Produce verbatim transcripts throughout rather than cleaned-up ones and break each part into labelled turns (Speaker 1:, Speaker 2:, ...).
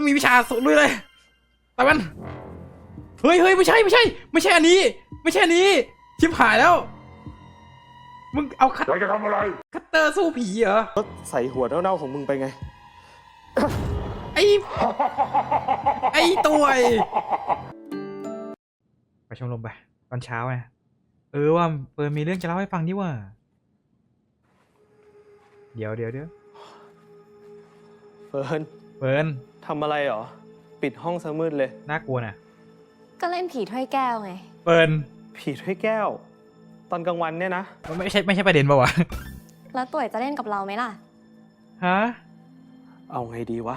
Speaker 1: ต้องมีวิชาสุดเลยเลยไปมันเฮ้ยเฮ้ยไม่ใช่ไม่ใช่ไม่ใช่อันนี้ไม่ใช่อันนี้ชิบหายแล้วมึงเอาคัตจะทำอะไรคัตเตอร์สู้ผีเหรอ
Speaker 2: ก็ใส่หัวเน่าๆของมึงไปไง
Speaker 1: ไอ้ไอ้ตัวไปชมรมไปตอนเช้าไงเออว่าเปิดมีเรื่องจะเล่าให้ฟังดิว่าเดี๋ยวเดี๋ยวเดี๋ยว
Speaker 2: เฟิร์น
Speaker 1: เฟิร์น
Speaker 2: ทำอะไรหรอปิดห้องซะมืดเลย
Speaker 1: น่ากลัวน่ะ
Speaker 3: ก็เล่นผีถ้วยแก้วไง
Speaker 1: เฟิร์น
Speaker 2: ผีถ้วยแก้วตอนกลางวันเนี่ยนะ
Speaker 1: ไม่ใช่ไม่ใช่ประเด็นป่าวะ
Speaker 3: แล้วตุ๋ยจะเล่นกับเราไหมล่ะ
Speaker 1: ฮะ
Speaker 2: เอาไงดีวะ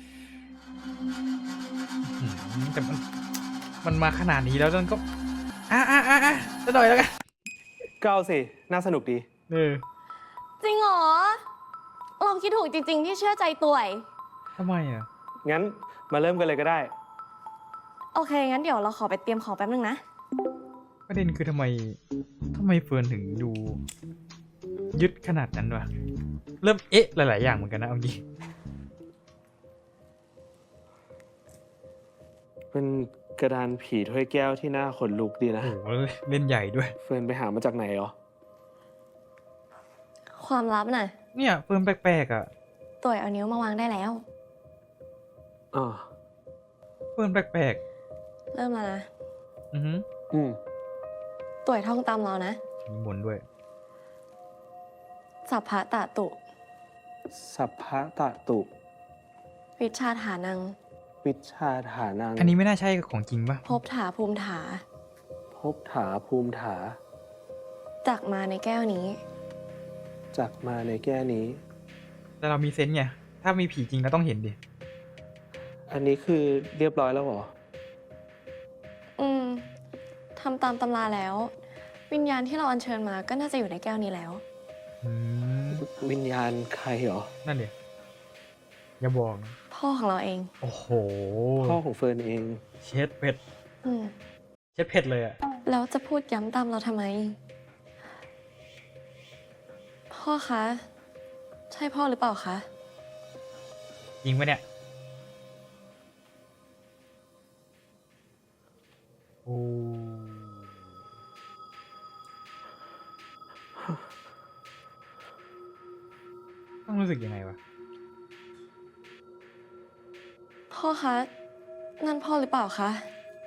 Speaker 1: แต่มันมันมาขนาดนี้แล้วมันก็อ่ะอ่ะอ่ะอ่ะจะหน่อยแล้วกัน
Speaker 2: ก็เอาสิน่าสนุกดี
Speaker 1: เออ
Speaker 3: จริงเหรอเราคิดถูกจริงๆที่เชื่อใจตุ๋ย
Speaker 1: ทำไมอ่ะ
Speaker 2: งั้นมาเริ่มกันเลยก็ได้
Speaker 3: โอเคงั้นเดี๋ยวเราขอไปเตรียมของแป๊บนึงนะ
Speaker 1: ประเด็นคือทำไมทำไมเฟิร์นถึงดูยึดขนาดนั้นวะเริ่มเอ๊ะหลายๆอย่างเหมือนกันนะเอางี้
Speaker 2: เป็นกระดานผีถ้วยแก้วที่น่าขนลุกดีนะ
Speaker 1: โอ้โหเล่นใหญ่ด้วย
Speaker 2: เฟิร์นไปหามาจากไหนหรอ
Speaker 3: ความลับน่ะ
Speaker 1: เนี่ยเฟิร์นแปลกๆอ่ะ
Speaker 3: ตุ๋ยเอานิ้วมาวางได้แล้ว
Speaker 2: อ๋อ
Speaker 1: เฟิร์นแปลก
Speaker 3: ๆเริ่มแล้วนะ
Speaker 1: อือฮึ
Speaker 2: อืม
Speaker 3: ตุ๋ยท่องตามเรานะ
Speaker 1: มีมนด้วย
Speaker 3: สัพพะตะตุ
Speaker 2: สัพพะตะตุ
Speaker 3: วิชาฐานัง
Speaker 2: วิชาฐานัง
Speaker 1: อันนี้ไม่น่าใช่ของจริงป่ะ
Speaker 3: ภพถาภูมิถา
Speaker 2: ภพถาภูมิถา
Speaker 3: จักมาในแก้วนี้
Speaker 2: จักมาในแก้วนี้
Speaker 1: แต่เรามีเซนส์ไงถ้ามีผีจริงเราต้องเห็นดิ
Speaker 2: อันนี้คือเรียบร้อยแล้วเหรอ
Speaker 3: อืมทำตามตำราแล้ววิญญาณที่เราอัญเชิญมาก็น่าจะอยู่ในแก้วนี้แล้ว
Speaker 2: วิญญาณใครเหรอ
Speaker 1: นั่นเดี๋ยวอย่าบอกนะ
Speaker 3: พ่อของเราเอง
Speaker 1: โอ้โห
Speaker 2: พ่อของเฟิร์นเอง
Speaker 1: เช็ดเผ็ด
Speaker 3: อืม
Speaker 1: เช็ดเผ็ดเลยอะ
Speaker 3: แล้วจะพูดย้ำตามเราทำไมพ่อคะใช่พ่อหรือเปล่าคะ
Speaker 1: จริงปะเนี่ยโอ้ต้องรู้สึกยังไงวะ
Speaker 3: พ่อคะนั่นพ่อหรือเปล่าคะ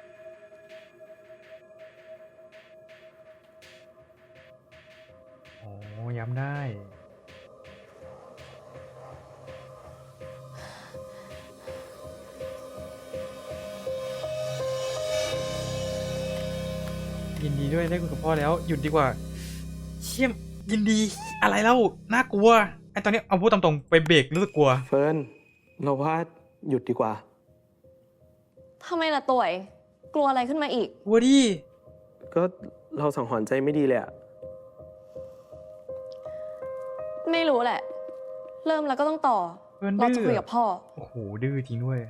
Speaker 1: โอ้ย้ำได้ยินดีด้วยได้คุยกับพ่อแล้วหยุดดีกว่าเชี่ยมยินดีอะไรเล่าน่ากลัวไอ้ตอนนี้เอาพูดตามตรงไปเบรกรู้สึกกลัว
Speaker 2: เฟิร์นเราว่าหยุดดีกว่า
Speaker 3: ทำไมล่ะตุ๋ยกลัวอะไรขึ้นมาอีก
Speaker 1: กลัวดิ
Speaker 2: ก็เราสังหรณ์ใจไม่ดีเลยอะ
Speaker 3: ไม่รู้แหละเริ่มแล้วก็ต้องต่อเราจะคุยกับพ่อ
Speaker 1: โอ้โหดื้อจริงด้วย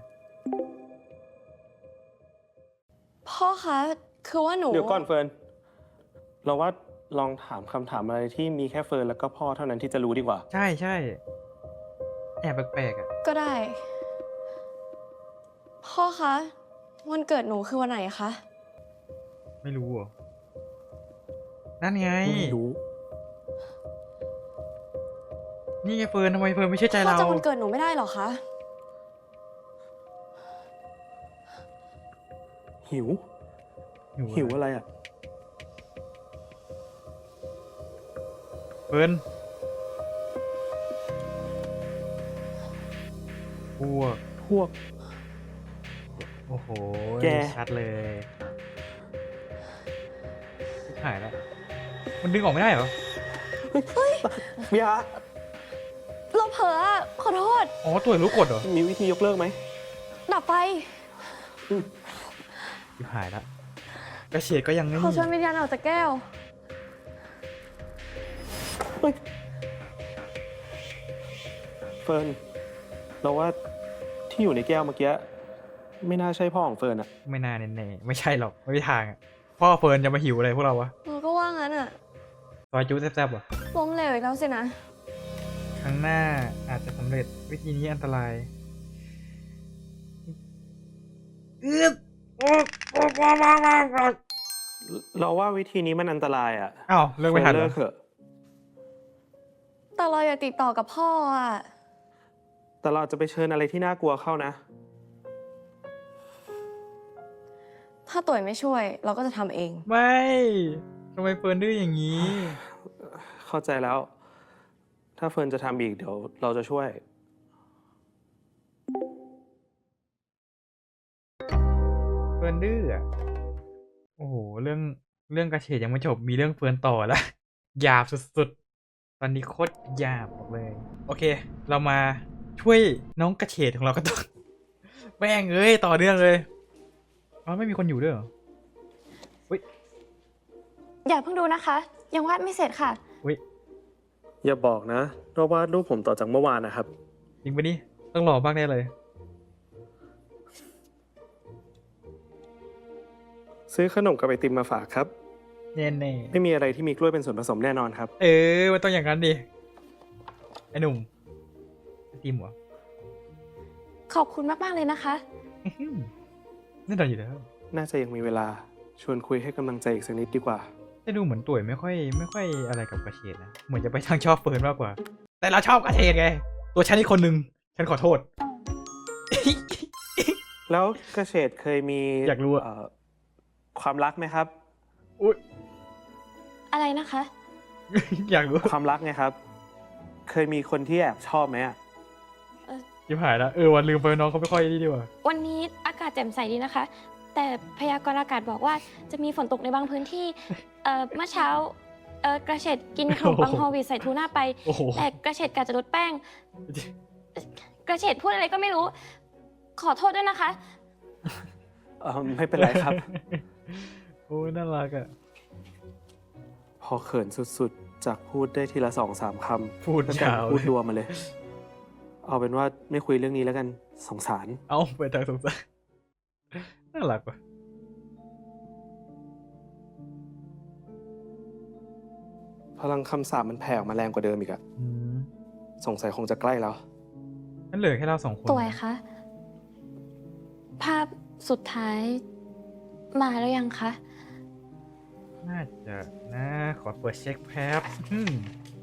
Speaker 3: พ่อคะคือว่าหนู
Speaker 2: เดี๋ยวก่อนเฟิร์นเราว่าลองถามคำถามอะไรที่มีแค่เฟิร์นแล้วก็พ่อเท่านั้นที่จะรู้ดีกว่า
Speaker 1: ใช่ใช่แอบแปลกๆอ่ะ
Speaker 3: ก็ได้พ่อคะวันเกิดหนูคือวันไหนคะ
Speaker 1: ไม่รู้เหรอนั่นไง
Speaker 2: ไม่รู้
Speaker 1: นี่ไงเฟิร์นทำไมเฟิร์นไม่เชื่อใจเรา
Speaker 3: พ่อจำวันเกิดหนูไม่ได้หรอคะ
Speaker 2: หิวหิวอะไรอ่ะ
Speaker 1: เฟิร์นพวก
Speaker 2: พวก
Speaker 1: โอ้โห
Speaker 2: แก
Speaker 1: ชัดเลยหายแล้วมันดึงออกไม่ได้เหรอ
Speaker 2: เฮ้ยยา
Speaker 3: เราเผลอขอโทษ
Speaker 1: อ๋อตัวรู้กดเหรอ
Speaker 2: มีวิธียกเลิกไหม
Speaker 3: ดับไฟ
Speaker 1: หายแล้วกระเฉียดก็ยังไม่
Speaker 3: ขอชวนวิญญาณออกจากแก้ว
Speaker 2: เฟิร์นเราว่าที่อยู่ในแก้วเมื่อกี้ไม่น่าใช่พ่อของเฟิร์นอะ
Speaker 1: ไม่น่าแน่ๆไม่ใช่หรอกไม่มีทางอะพ่อเฟิร์นจะมาหิวอะไรพวกเราวะ
Speaker 3: เราก็ว่างั้นอะ
Speaker 1: ซอยจู๊แซ่บๆวะ
Speaker 3: ล้มเหลวอีกแล้วสินะ
Speaker 1: ครั้งหน้าอาจจะสำเร็จวิธีนี้อันตรายอืดโอ๊ยโอ๊ยโอ๊ยโอ๊ยโอ๊ยโอ๊ย
Speaker 2: เราว่าวิธีนี้มันอันตรายอ่ะ
Speaker 1: อ้าวเลิกไม่ทัน
Speaker 2: เฟิ
Speaker 1: เหร
Speaker 2: ร์
Speaker 1: อ
Speaker 2: เลิกเถอะ
Speaker 3: แต่เราอยากติดต่อกับพ่ออะ
Speaker 2: แต่เราจะไปเชิญอะไรที่น่ากลัวเข้านะ
Speaker 3: ถ้าตุ๋ยไม่ช่วย เราก็จะทำเอง
Speaker 1: ไม่ทำไมเฟิร์นดื้ออย่างนี้
Speaker 2: เข้าใจแล้ว ถ้าเฟิร์นจะทำอีกเดี๋ยวเราจะช่วย
Speaker 1: เฟิร์นดื้ออะโอ้โหเรื่องเรื่องกระเฉดยังไม่จบมีเรื่องเฟิร์นต่อแล้ว หยาบสุดๆ ตอนนี้โคตรหยาบบอกเลย โอเค เรามาช่วยน้องกระเฉดของเราก็ต้อง แม่งเอ้ยต่อเนื่องเลยอ๋อไม่มีคนอยู่ด้วยเหรอ
Speaker 4: อย่าเพิ่งดูนะคะ ยังวาดไม่เสร็จค่ะ
Speaker 1: อุ้ย
Speaker 2: อย่าบอกนะว่าวาดรูปผมต่อจากเมื่อวานนะครับ
Speaker 1: จริงปะนี่ต้องรอบ้างแน่เลย
Speaker 2: ซื้อขนมกับไอติมมาฝากครับ
Speaker 1: แน่แน่
Speaker 2: ไม่มีอะไรที่มีกล้วยเป็นส่วนผสมแน่นอนครับ
Speaker 1: เออมันต้องอย่างนั้นดิไอ้หนุ่มไอติมเหรอ
Speaker 4: ขอบคุณมาก ๆ เลยนะคะ
Speaker 1: อื้อหือแน่นอนอยู่แล้ว
Speaker 2: น่าจะยังมีเวลาชวนคุยให้กำลังใจอีกสักนิดดีกว่า
Speaker 1: แต่ดูเหมือนตุ๋ยไม่ค่อยไม่ค่อยอะไรกับกระเฉดนะ เหมือนจะไปทางชอบเฟิร์นมากกว่า แต่เราชอบกระเฉดไง ตัวฉันอีกคนนึง ฉันขอโทษ
Speaker 2: แล้วกระเฉดเคยมี
Speaker 1: อยากรู้อะ
Speaker 2: เความรักไหมครับ
Speaker 1: อุ้ย
Speaker 4: อะไรนะคะ
Speaker 1: อยากรู้
Speaker 2: ความรักไงครับ เคยมีคนที่แอบชอบไหมอะ
Speaker 1: ยิบหายแล้วเออวันลืมไปน้องเขาไม่ค่อยนี่ดีกว่า
Speaker 4: วันนี้อากาศแจ่มใสดีนะคะ แต่พยากรณ์อากาศบอกว่าจะมีฝนตกในบางพื้นที่ เอ่อ เมื่อเช้า เอ่อ กระเฉดกินขนมปัง
Speaker 1: โอ้โห
Speaker 4: ฮอลวีตใส่ทูน่าไป
Speaker 1: โอ้โห
Speaker 4: แต่กระเฉดกะจะลดแป้ง กระเฉดพูดอะไรก็ไม่รู้ ขอโทษด้วยนะคะ
Speaker 2: เออไม่เป็นไรครับ
Speaker 1: โอ้ยน่ารักอ่ะ
Speaker 2: พอเขินสุดๆ จากพูดได้ทีละสองสามคำ
Speaker 1: พูด
Speaker 2: แล้วกัน
Speaker 1: ยาว
Speaker 2: พูดรัวมาเลย เอาเป็นว่าไม่คุยเรื่องนี้แล้วกันสงสาร
Speaker 1: เอาไปทางสงสารน่ารักว่ะ
Speaker 2: พลังคำสาปมันแผ่ออกมาแรงกว่าเดิมอีกอะ
Speaker 1: อืม
Speaker 2: สงสัยคงจะใกล้แล้ว
Speaker 1: นั่นเหลือแค่เราสองคน
Speaker 4: ตัวคะ ภาพสุดท้ายมาแล้วยังคะ
Speaker 1: น่าจะนะ ขอเปิดเช็คแป๊บอืม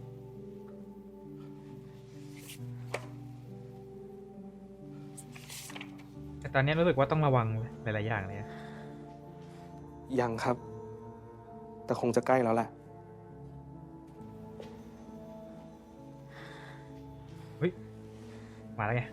Speaker 1: แต่ตอนนี้รู้สึกว่าต้องระวังหลายๆอย่างเลยอะ
Speaker 2: ยังครับ แต่คงจะใกล้แล้วแหละ
Speaker 1: มาแล้วไง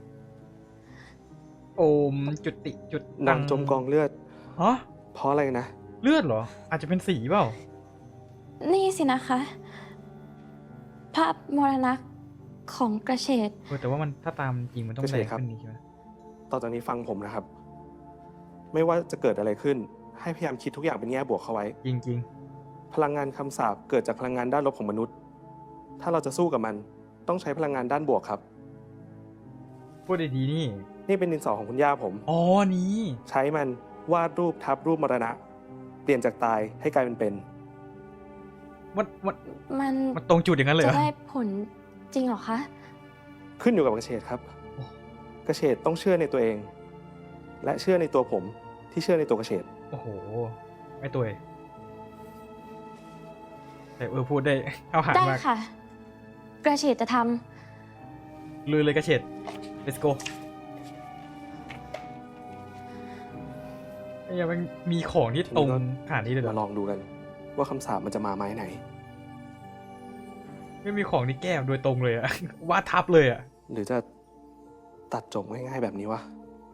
Speaker 1: โอมจุติจุด
Speaker 2: นางจมกองเลือด
Speaker 1: ฮะ
Speaker 2: เพราะอะไรนะ
Speaker 1: เลือดเหรอ อาจจะเป็นสีเปล่า
Speaker 4: นี่สินะคะ ภาพมรณะของกระเฉด
Speaker 1: เออแต่ว่ามันถ้าตามจริงมันต้อง
Speaker 2: ก็ใช่
Speaker 1: แรง
Speaker 2: ครับ
Speaker 1: ขึ้นนี้ใช่ไหม
Speaker 2: ต่อจากนี้ฟังผมนะครับ ไม่ว่าจะเกิดอะไรขึ้น ให้พยายามคิดทุกอย่างเป็นแง่บวกเข้าไว้
Speaker 1: จริง
Speaker 2: พลังงานคำสาปเกิดจากพลังงานด้านลบของมนุษย์ ถ้าเราจะสู้กับมัน ต้องใช้พลังงานด้านบวกครับ
Speaker 1: ๆ พูดดีๆนี่
Speaker 2: นี่เป็นดินสอของคุณย่าผม
Speaker 1: อ๋อ นี้
Speaker 2: ใช้มันวาดรูปทับรูปมรณะ เปลี่ยนจากตายให้กลายเป็นเป็น
Speaker 1: มันมัน
Speaker 4: มัน
Speaker 1: มันตรงจุดอย่างนั้นเลยเหร
Speaker 4: จะ
Speaker 1: อ
Speaker 4: ได้ผลจริงเหรอคะ
Speaker 2: ขึ้นอยู่กับกระเฉดครับ
Speaker 1: โอ้
Speaker 2: กระเฉดต้องเชื่อในตัวเอง และเชื่อในตัวผมที่เชื่อในตัวกระเฉด
Speaker 1: โอ้โห ไม่ตัวเองแต่เออพูดได้ เข้าหา
Speaker 4: ได้
Speaker 1: มาก
Speaker 4: ค่ะ กระเฉดจะท
Speaker 1: ลุยเลยกระเฉด let's go ไอ้ยังมันมีของที่ตรงขนาดนี้เลยเหร
Speaker 2: มา
Speaker 1: อ
Speaker 2: ลองดูกัน ว่าคำสาปมันจะมาไม้ไหน
Speaker 1: ไม่มีของที่แก้โดยตรงเลยอะ วาดทับเลยอะ
Speaker 2: หรือจะตัดจบง่ายๆแบบนี้วะ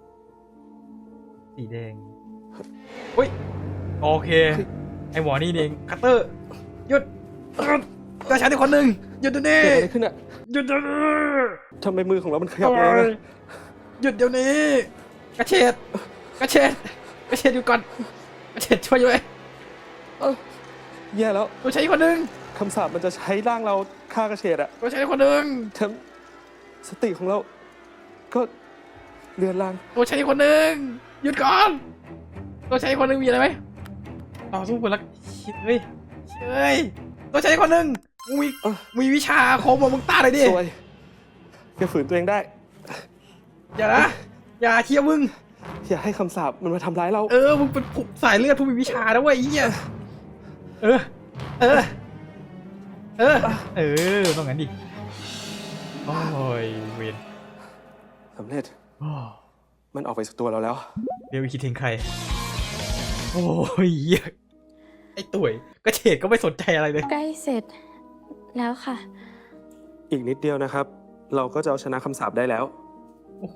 Speaker 1: สีแดงอุ้ย โอเค
Speaker 2: เฮ้ย
Speaker 1: ไอหมอนี่เองคัตเตอร์ หยุดตัวฉันอีกคนหนึ่งหยุดเดี๋ยวนี้
Speaker 2: เกิดอะไรขึ้นอะ
Speaker 1: หยุดเดี๋ยวนี้
Speaker 2: ทำไมมือของเรามันขยับเองอะ
Speaker 1: หยุดเดี๋ยวนี้ กระเฉดกระเฉดกระเฉดอยู่ก่อนกระเฉดช่วยอยู่เลย
Speaker 2: เอ้าแย่แล้ว
Speaker 1: ตัวฉันอีกคนหนึ่ง
Speaker 2: คำสาปมันจะใช้ร่างเราฆ่ากระเฉดอะ
Speaker 1: ตัวฉันอีกคนหนึ่ง
Speaker 2: แถมสติของเรา ก็เลือนลาง
Speaker 1: ตัวฉันอีกคนหนึ่งหยุดก่อน ตัวฉันอีกคนหนึ่งมีอะไรไหมต่อสู้กันแล้วเฮ้ยเฮ้ยตัวฉันอีกคนหนึ่งมึงมี
Speaker 2: เอ้า
Speaker 1: มีวิชาอาคมอะมึงต้าเลยดิ
Speaker 2: สวยแกฝืนตัวเองได้
Speaker 1: อย่านะอย่าเชียร์มึง
Speaker 2: อย่าให้คำสาปมันมาทำร้ายเรา
Speaker 1: เออ มึงเป็นผู้สายเลือดผู้มีวิชานะเว้ยไอ้เหี้ยเออ เออ เออ เออ ต้องงั้นดิ โอ้ย เวน
Speaker 2: สำเร็จ
Speaker 1: โอ้
Speaker 2: มันออกไปจากตัวเราแล้ว
Speaker 1: เดี๋ยวคิดถึงใคร โอ้ยเหี้ยไอ้ตุ๋ยก็เฉดก็ไม่สนใจอะไรเลย
Speaker 4: ใกล้เสร็จแล้วค่ะ
Speaker 2: อีกนิดเดียวนะครับ เราก็จะเอาชนะคำสาปได้แล้ว
Speaker 1: โอ้โห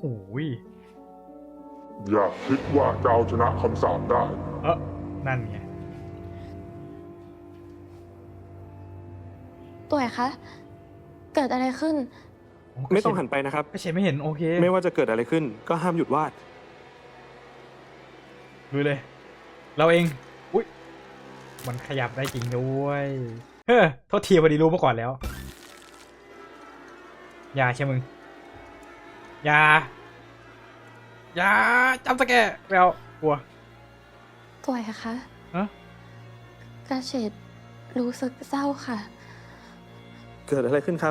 Speaker 5: อย่าคิดว่าจะเอาชนะคำสาปได้
Speaker 1: เออนั่นไง
Speaker 3: ตัวไหนคะ เกิดอะไรขึ้น
Speaker 2: ไม่ต้องหันไปนะครับ
Speaker 1: ก็เฉดไม่เห็น โอเค
Speaker 2: ไม่ว่าจะเกิดอะไรขึ้น ก็ห้ามหยุดวาด
Speaker 1: ดูเลย เราเอง อุ้ย มันขยับได้จริงด้วย เฮ้อโทษทีพอดีรู้มาก่อนแล้ว อย่าใช่มึง อย่า อย่าจำสแกแววกลัว
Speaker 3: ตัวไหนคะ
Speaker 1: ฮะ
Speaker 3: กระเฉดรู้สึกเศร้าค่ะ
Speaker 2: เกิดอะไรขึ้นครับ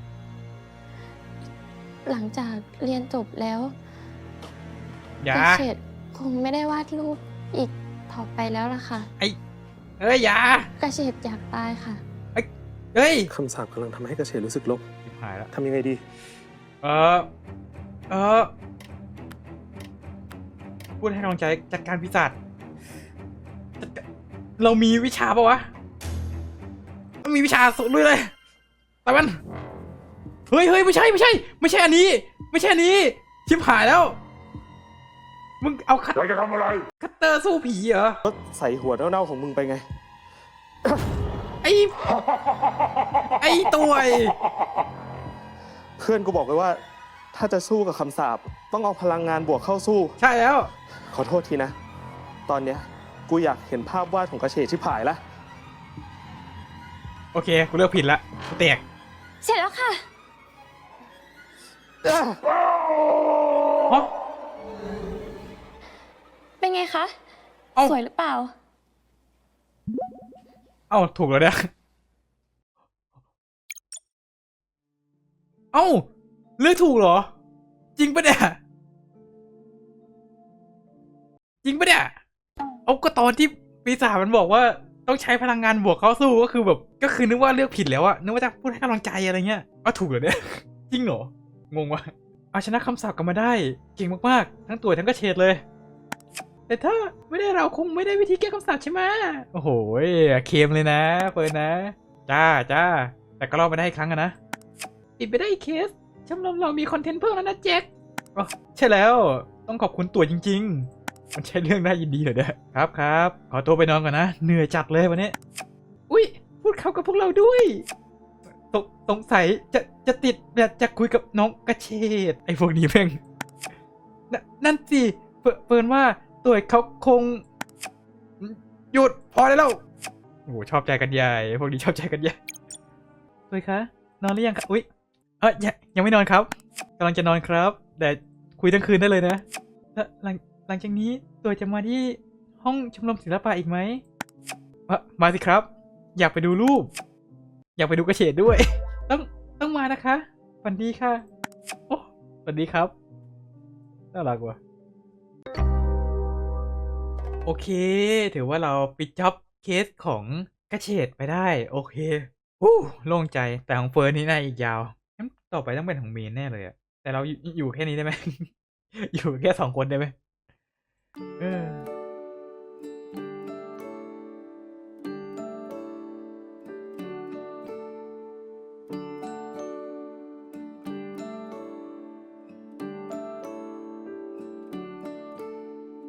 Speaker 3: หลังจากเรียนจบแล้ว
Speaker 1: อย่าก
Speaker 3: ระเฉดคงไม่ได้วาดรูปอีกต่อไปแล้วล่ะค่ะ
Speaker 1: ไอ้เอ้ย อย่าก
Speaker 3: ระเฉดอยากตายค่ะ
Speaker 1: เฮ้ย
Speaker 2: คำสาปกำลังทำให้กระเฉดรู้สึกลบ
Speaker 1: ชิบหายแล้ว
Speaker 2: ทำยังไงดี
Speaker 1: เออ เออ พูดให้กำลังใจจัดการปีศาจจัดการเรามีวิชาปะวะมันมีวิชาสุดด้วยเลยแต่มัน เฮ้ยเฮ้ยไม่ใช่ไม่ใช่ ไม่ใช่อันนี้ ไม่ใช่อันนี้ ชิบหายแล้ว มึงเอาคัต
Speaker 5: เราจะทำอะไร
Speaker 1: คัตเตอร์สู้ผีเหรอ
Speaker 2: ก็ใส่หัวเน่าๆของมึงไปไง
Speaker 1: ไอ้ ไอ้ตัวไอ้
Speaker 2: เพื่อนกูบอกไว้ว่า ถ้าจะสู้กับคำสาปต้องเอาพลังงานบวกเข้าสู้
Speaker 1: ใช่แล้ว
Speaker 2: ขอโทษทีนะ ตอนเนี้ยกูอยากเห็นภาพวาดของกระเฉดชิบหายละ
Speaker 1: โอเค กูเลือกผิดละกูแตก
Speaker 4: เสร็จแล้วค่ะ
Speaker 1: ฮะ
Speaker 3: เป็นไงคะ
Speaker 1: เอ้า
Speaker 3: สวยหรือเปล่า
Speaker 1: เอ้าถูกแล้วเนี่ยเอ้าเลือกถูกเหรอ จริงปะเนี่ย จริงปะเนี่ย เอาก็ตอนที่ปีศาจมันบอกว่าต้องใช้พลังงานบวกเข้าสู้ก็คือแบบก็คือนึกว่าเลือกผิดแล้วอะนึกว่าจะพูดให้กำลังใจอะไรเงี้ยอ้าวถูกเหรอเนี่ย จริงเหรองงวะเอาชนะคำสาปกลับมาได้เก่งมากๆทั้งตัวทั้งกระเฉดเลย แต่ถ้าไม่ได้เราคงไม่ได้วิธีแก้คำสาปใช่ไหมโอ้โหเค็มเลยนะเฟิร์นนะจ้าจ้าแต่ก็รอดไปได้อีกครั้งอะนะติดไปได้อีกเคสชมรมเรามีคอนเทนต์เพิ่มแล้วนะแจ็คอ๋อใช่แล้วต้องขอบคุณตัวจริงๆมันใช่เรื่องน่ายินดีเหรอเนี่ยครับครับขอตัวไปนอนก่อนนะเหนื่อยจัดเลยวันนี้อุ้ยพูดเข้ากับพวกเราด้วยสงสงสัยจะจะติดแบบจะคุยกับน้องกระเฉดไอ้พวกนี้เพ่งนนั่นสิเฟิเฟิร์นว่าตัวเขาคงหยุดพอได้แล้วโอ้โหชอบใจกันใหญ่พวกนี้ชอบใจกันใหญ่ตัวคะนอนหรือยังครับอุ้ยเออยังยังไม่นอนครับกำลังจะนอนครับแต่คุยทั้งคืนได้เลยนะแล้วหลังหลังจากนี้ตัวจะมาที่ห้องชมรมศิลปะอีกไหมมามาสิครับ อยากไปดูรูป อยากไปดูกระเฉดด้วย ต้องต้องมานะคะสวัสดีค่ะโอ้สวัสดีครับน่ารักว่ะโอเคถือว่าเราปิดจ็อบเคสของกระเฉดไปได้โอเคฮู้โล่งใจแต่ของเฟิร์นนี่น่าอีกยาวงั้นต่อไปต้องเป็นของเมนแน่เลยอะแต่เราอยู่อยู่แค่นี้ได้ไหม อยู่แค่สองคนได้ไหมเออ